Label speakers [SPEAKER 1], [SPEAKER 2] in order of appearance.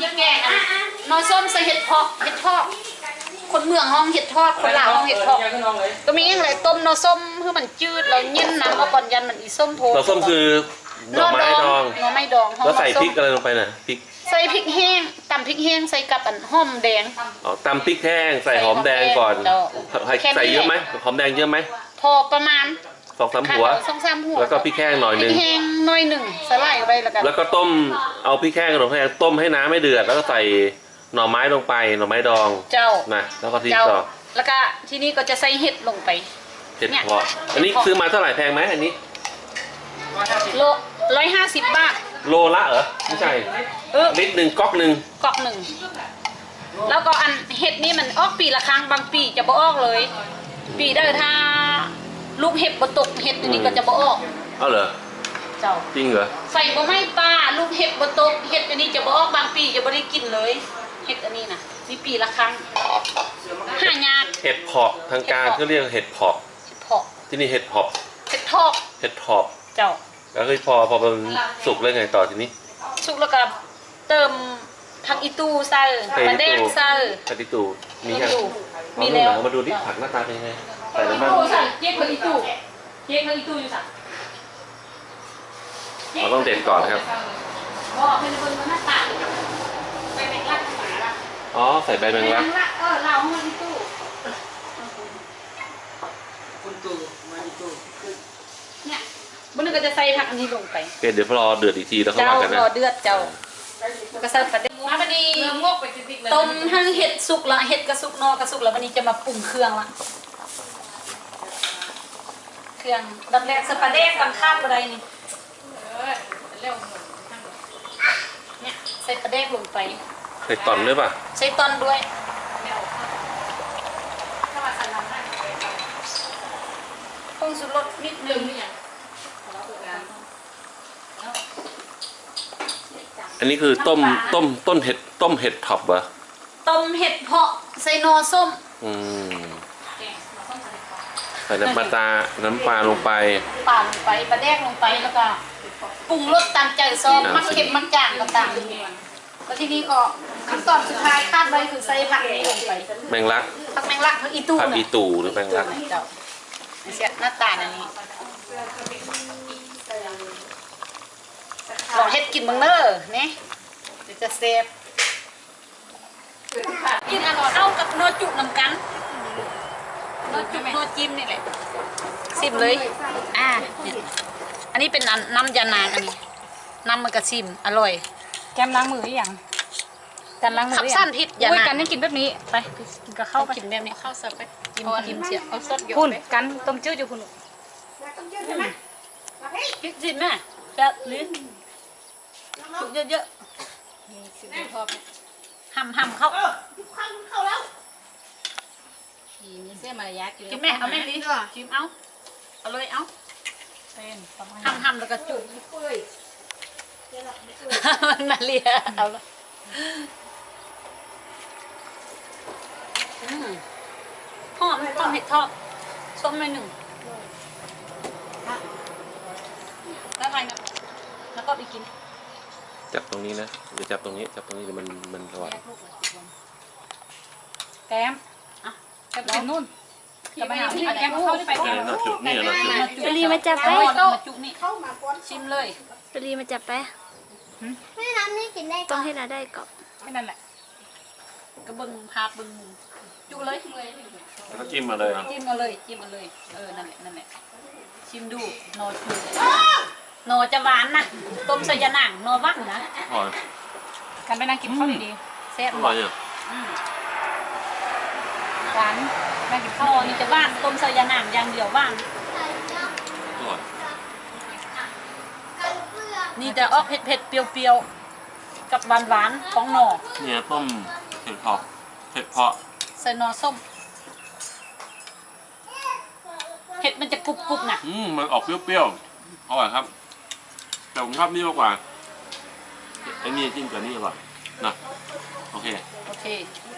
[SPEAKER 1] จะแกงนอส้มใส่เห็ดเพาะคนเมืองห้องเห็ดทอดคนลาวห้องเห็ดเพาะก็มีอย่างไรต้มนอส้มเพื่อมันจืดแล้วเย็นน้ำเอาก่อนยันมันอีส้มโพนอ
[SPEAKER 2] ส้มคือหน่อไม้ดองแล้วใส่พริกอะไรลงไปน่ะพริก
[SPEAKER 1] ใส่พริกแห้งตำพริกแห้งใส่กับหอมแดง
[SPEAKER 2] ตำพริกแห้งใส่หอมแดงก่อนใส่เยอะไหมหอมแดงเยอะไหม
[SPEAKER 1] พอประมาณ
[SPEAKER 2] 2-3 หัวแล้วก็พริกแห้งหน่อยนึง
[SPEAKER 1] พริกแห้งหน่อยหนึ่งสไลด์ไป
[SPEAKER 2] แล้วก็ต้มเอาพริกแห้งกับหน่อไม้ต้มให้น้ำไม่เดือดแล้วก็ใส่หน่อไม้ลงไปหน่อไม้ดอง
[SPEAKER 1] เจ้า
[SPEAKER 2] นะแล้วก็ทิ้งต่อ
[SPEAKER 1] แล้วก็ที่นี่ก็จะใส่เห็ดลงไป
[SPEAKER 2] เห็ดเพาะอันนี้ซื้อมาเท่าไหร่แพงไหมอันนี้
[SPEAKER 1] โล150 บาท
[SPEAKER 2] โลละเหรอไม่ใช่ลิตรหนึ่งก๊อกหนึ่ง
[SPEAKER 1] แล้วก็อันเห็ดนี่มันออกปีละครั้งบางปีจะบ่ออกเลยปีได้ถ้าลูกเห็ดบ่ตกเห็ดตัวนี้ก็จะบ่ออก
[SPEAKER 2] เอาเหรอ
[SPEAKER 1] เจ้า
[SPEAKER 2] จริงเหรอ
[SPEAKER 1] ใส่บ่ไม่ปลาลูกเห็ดบ่ตกเห็ดตัวนี้จะบ่ออกบางปีจะบ่ได้กินเลยเห็ดอันนี้นะมีปีละครั้งหายาก
[SPEAKER 2] เห็ดเพาะทางการเขาเรียกเห็ดเพาะที่นี่เห็ดเพาะ
[SPEAKER 1] เห็ดทอบเจ้า
[SPEAKER 2] แล้วคือพอมันสุกแล้วไงต่อทีนี้
[SPEAKER 1] สุกแล้วก็เติมผักอีตูใส่ปลาแดงใส่
[SPEAKER 2] ผักอีตูมีแล้วมาดูที่ผักหน้าตาเป็นยังไงใส่น้ำมัน
[SPEAKER 1] เจ๊ผักอีตูอยู่สั่ง
[SPEAKER 2] เราต้องเด็ดก่อนครับอ๋อใส่ใบแมงลัก
[SPEAKER 1] เราให้อีตูเนี่ยบนนึงก็จะใส่ผักอันนี้ลงไป
[SPEAKER 2] เดี๋ยวรอเดือดอีกทีแล้วเข้ามากันนะ
[SPEAKER 1] รอเดือดเจ้าก็ใส่ปลาแดงมาพอดีต้มให้เห็ดสุกละเห็ดกระสุกนอกระสุกแล้ววันนี้จะมาปรุงเครื่องละเครื่องดับแรกใส่ปลาแดงกันข้ามอะไรนี่เนี่ยใส่ปลาแดงลงไป
[SPEAKER 2] ใส่ตอนด้วยป่ะ
[SPEAKER 1] ใส่ตอนด้วยผงชูรสนิดนึง
[SPEAKER 2] อันนี้คือต้นเห็ดท็อปเหรอ
[SPEAKER 1] ต้มเห็ดเพาะใส่นอส้ม
[SPEAKER 2] ใส่น้ำปลาลงไป
[SPEAKER 1] ปลาแดกลงไปแล้วก็ปรุงรสตามใจซอสมักเค็มมักจางต่างๆแล้วทีนี้ก็ขั้นตอนสุดท้ายคาดไว้คือใส่ผักนี้ลงไป
[SPEAKER 2] แมงลัก
[SPEAKER 1] ผักอีตู
[SPEAKER 2] หรือแมงลัก
[SPEAKER 1] เสียหน้าตาอันนี้ลองเฮ็ดกินบ้างเด้อเนี่ยเดี๋ยวจะเซฟกินอร่อยเอากับนอจุน้ำกันนอจุนอจิ้มนี่แหละซิมเลยเนี่ยอันนี้เป็นน้ำยานางอันนี้น้ำมันกระซิมอร่อย
[SPEAKER 3] แกมล้างมือหรือยังกันล้างมือ
[SPEAKER 1] ขับสั้นพิษยานาง
[SPEAKER 3] กันนี่กินแบบนี้ไปกินกับข้าวไป
[SPEAKER 1] กินแบบนี้ข้าวเสิร์ฟไปกินเสียเอาสดเยอะ
[SPEAKER 3] คุณกันต้มจืดอยู่คุณ
[SPEAKER 1] ต้มจืดใช่ไหมกินสิแม่จะลิ้นสุกเยอะๆสิชอบหั่มเข้าแล้วมีเส้นมารยากินแม่เอาแม่ลิ้นชิมเอาเลยเอาหั่มแล้วก็จุ่มมันมาเลียเอาละหอมต้มเห็ดทอดส้มหน่อยหนึ่งแล้วไงนะแล้วก็ไปกิน
[SPEAKER 2] จับตรงนี้นะหรือจับตรงนี้เดี๋ยวมันสว่าง
[SPEAKER 3] แกมแกมนู่นจะไปหาที่แกมเข้าที่ไปแกม
[SPEAKER 4] ปรีมาจับไป
[SPEAKER 1] ชิมเลย
[SPEAKER 4] ปรีมาจับไปไม่น้ำนี่กินได้ต้องให้เราได้ก่อน
[SPEAKER 3] ไม่นั่นแหละ
[SPEAKER 1] ก็บึงพาบึงจุเลย
[SPEAKER 2] แล้วก็จิ้มมาเลย
[SPEAKER 1] จิ้มมาเลยนั่นแหละชิมดูนอชูนอจะหวานนะต้มใส่ยาหนังนอวักนะ
[SPEAKER 3] กันไปนั่งกินข้าวดี
[SPEAKER 1] แซ่บ
[SPEAKER 2] หวานเนี่ย
[SPEAKER 1] หวานนั่งกินข้าวนี่จะหวานต้มใส่ยาหนังอย่างเดียวหวานนี่จะออกเผ็ดเปรี้ยวๆกับหวานของหน่อ
[SPEAKER 2] เนี่ยต้มเห็ดเพาะ
[SPEAKER 1] ใส่หน่อส้มเห็ดมันจะกรุบๆนะ
[SPEAKER 2] มันออกเปรี้ยวๆอร่อยครับแต่ผมชอบนี่มากกว่าไอ้นี่จิ้มกับนี่อร่อยนะโอเค